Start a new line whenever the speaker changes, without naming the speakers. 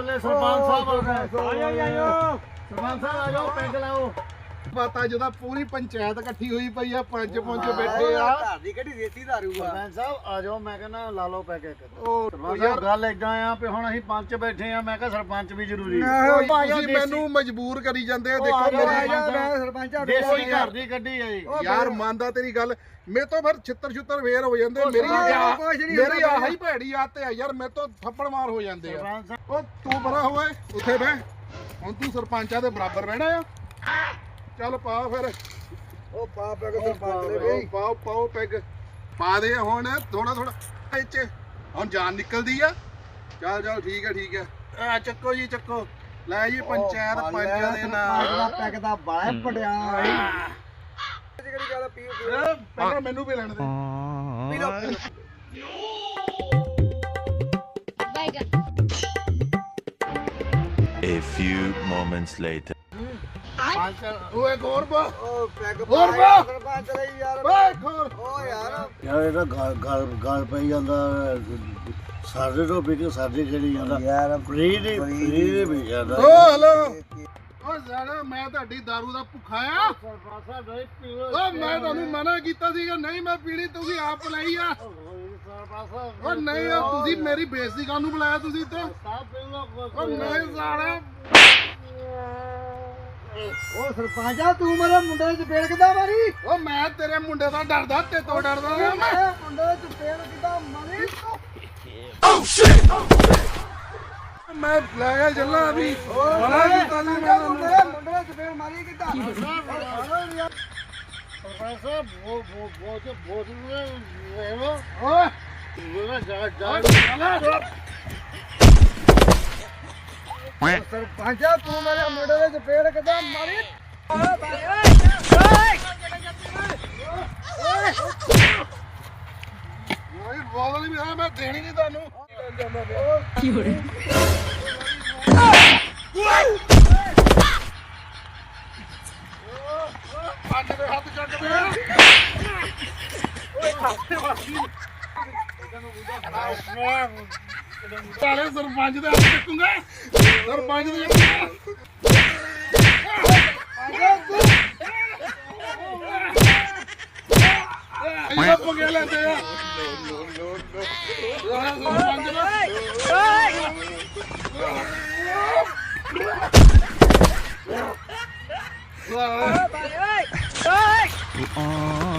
ਬੱਲੇ ਸਰਪੰਚ ਸਾਹਿਬ ਆਇਓ ਸਰਪੰਚ ਸਾਹਿਬ ਆ ਜਾਓ ਪੈਗ ਲਾਓ
ਪਤਾ ਜਦੋਂ ਪੂਰੀ ਪੰਚਾਇਤ ਇਕੱਠੀ ਹੋਈ ਪਈ ਆ ਪੰਜ ਬੈਠੇ ਆ
ਘਰ ਦੀ ਕਿਹੜੀ ਦੇਸੀ ਦਾਰੂ ਆ
ਸਰਪੰਚ ਸਾਹਿਬ ਆ ਜਾਓ ਮੈਂ ਕਹਿੰਦਾ ਲਾ ਲਓ ਪੈਗ ਇੱਕ
ਉਹ
ਯਾਰ ਗੱਲ ਇਦਾਂ ਆ ਵੀ ਹੁਣ ਅਸੀਂ ਪੰਚ ਬੈਠੇ ਆ ਮੈਂ ਕਿਹਾ ਸਰਪੰਚ ਵੀ ਜ਼ਰੂਰੀ
ਤੁਸੀਂ ਮੈਨੂੰ ਮਜਬੂਰ ਕਰੀ ਜਾਂਦੇ ਆ ਦੇਖੋ
ਮੈਂ ਸਰਪੰਚ ਆ
ਦੇਸੀ ਘਰ ਦੀ ਗੱਡੀ ਆ ਜੀ
ਯਾਰ ਮੰਨਦਾ ਤੇਰੀ ਗੱਲ ਮੇਰੇ ਤੋਂ ਫਿਰ ਛਿੱਤਰ ਫੇਰ ਹੋ ਜਾਂਦੇ ਮੇਰੀ ਆਹੀ ਭੈੜੀ ਆਦਤ ਆ ਯਾਰ ਮੇਰੇ ਤੋਂ ਥੱਪੜ ਮਾਰ ਹੋ ਜਾਂਦੇ ਆ ਉਹ ਤੂੰ ਬੜਾ ਹੋਏ ਉੱਥੇ ਬਹਿ ਹੁਣ ਤੂੰ ਸਰਪੰਚਾਂ ਦੇ ਬਰਾਬਰ ਰਹਿਣਾ ਆ ਚੱਲ ਪਾ ਫਿਰ
ਉਹ ਪਾ ਪੈਗ ਸਰਪੰਚ ਦੇ ਬਈ
ਪਾਓ ਪੈਗ ਪਾ ਦੇ ਹੁਣ ਥੋੜਾ ਇੱਥੇ ਹੁਣ ਜਾਨ ਨਿਕਲਦੀ ਆ ਚੱਲ ਠੀਕ ਹੈ ਆ ਚੱਕੋ ਜੀ ਚੱਕੋ ਲੈ ਜੀ ਪੰਚਾਇਤ ਪੰਚਾਂ ਦੇ ਨਾਲ
ਪੈਗ ਦਾ ਬਾਹਰ ਪੜਿਆ ਜਿਹੜੀ ਗੱਲ ਪੀਓ
ਪਹਿਲਾਂ ਮੈਨੂੰ ਵੀ ਲੈਣ ਦੇ
ਪੀ ਲਓ
A few moments later.
ਓਏ ਗੌਰ ਬਾ
ਉਹ ਪੈਗ
ਹੋਰ ਪਾ
ਸਰਪੰਚ ਲਈ ਯਾਰ
ਓਏ ਖੋਰ
ਓ ਯਾਰ
ਯਾਰ ਇਹਦਾ ਗਾਲ ਪਈ ਜਾਂਦਾ ਸਾਡੇ ਤੋਂ ਵੀ ਸਾਡੇ ਜਿਹੜੀ ਜਾਂਦਾ
ਯਾਰ
ਫਰੀ ਦੇ ਵੀ ਜਾਂਦਾ
ਓ ਹਲੋ ਓ ਸਾਲਾ ਮੈਂ ਤੁਹਾਡੀ ਦਾਰੂ ਦਾ ਭੁੱਖਾ ਆ
ਸਰਪੰਚ ਸਾਹਿਬ ਨਹੀਂ ਪੀਓ
ਓ ਮੈਂ ਤੁਹਾਨੂੰ ਮਨਾ ਕੀਤਾ ਸੀਗਾ ਨਹੀਂ ਮੈਂ ਪੀਣੀ ਤੁਸੀਂ ਆਪ ਲਈ ਆ
ਸਰਪੰਚ ਸਾਹਿਬ
ਓ ਨਹੀਂ ਤੁਸੀਂ ਮੇਰੀ ਬੇਇੱਜ਼ਤੀ ਕਰਨ ਨੂੰ ਬੁਲਾਇਆ ਤੁਸੀਂ ਇੱਥੇ
ਸਾਹਿਬ ਪੀਓ
ਓ ਨਹੀਂ ਸਾਲਾ
ਉਹ ਸਰਪੰਚ ਆ ਤੂੰ ਮੇਰੇ ਮੁੰਡੇ ਚ ਪੇੜ ਕਿੱਦਾਂ ਮਾਰੀ
ਓ ਮੈਂ ਤੇਰੇ ਮੁੰਡੇ ਦਾ ਡਰਦਾ ਤੇ ਤੋਂ ਡਰਦਾ ਆ ਮੈਂ
ਮੇਰੇ ਮੁੰਡੇ ਚ ਪੇੜ ਕਿੱਦਾਂ ਮਾਰੀ
ਮੈਂ ਲੈ ਗਿਆ ਜੱਲਾ ਅਭੀ ਬੜਾ ਕੀਤਾ ਸੀ ਮੈਂ
ਮੇਰੇ ਮੁੰਡੇ ਚ ਪੇੜ ਮਾਰੀ ਕਿੱਦਾਂ
ਸਰਪੰਚ ਸਾਹਿਬ ਬਹੁਤ
ਓਏ
ਸਰਪੰਚ ਆ ਤੂੰ ਮੇਰੇ ਮੁੰਡੇ ਚ ਪੇੜ ਕਿੱਦਾਂ ਮਾਰੀ
ਓਏ ਬੋਲ ਵੀ ਆ ਮੈਂ ਦੇਣੀ ਨਹੀਂ ਤੁਹਾਨੂੰ ਪੰਜ ਦੇ ਹੱਥ ਚੱਕ ਦੇ ਓਏ ਖਾਤੇ ਵਾਸੀ ਸਾਲੇ ਸਰਪੰਚ ਦੇ ਹੱਥ ਚੱਕੂਗਾ ਸਰਪੰਚ ਦੇ ਇਹ ਪਗੇ ਲੈਂਦੇ ਆ ਸਰਪੰਚ ਦਾ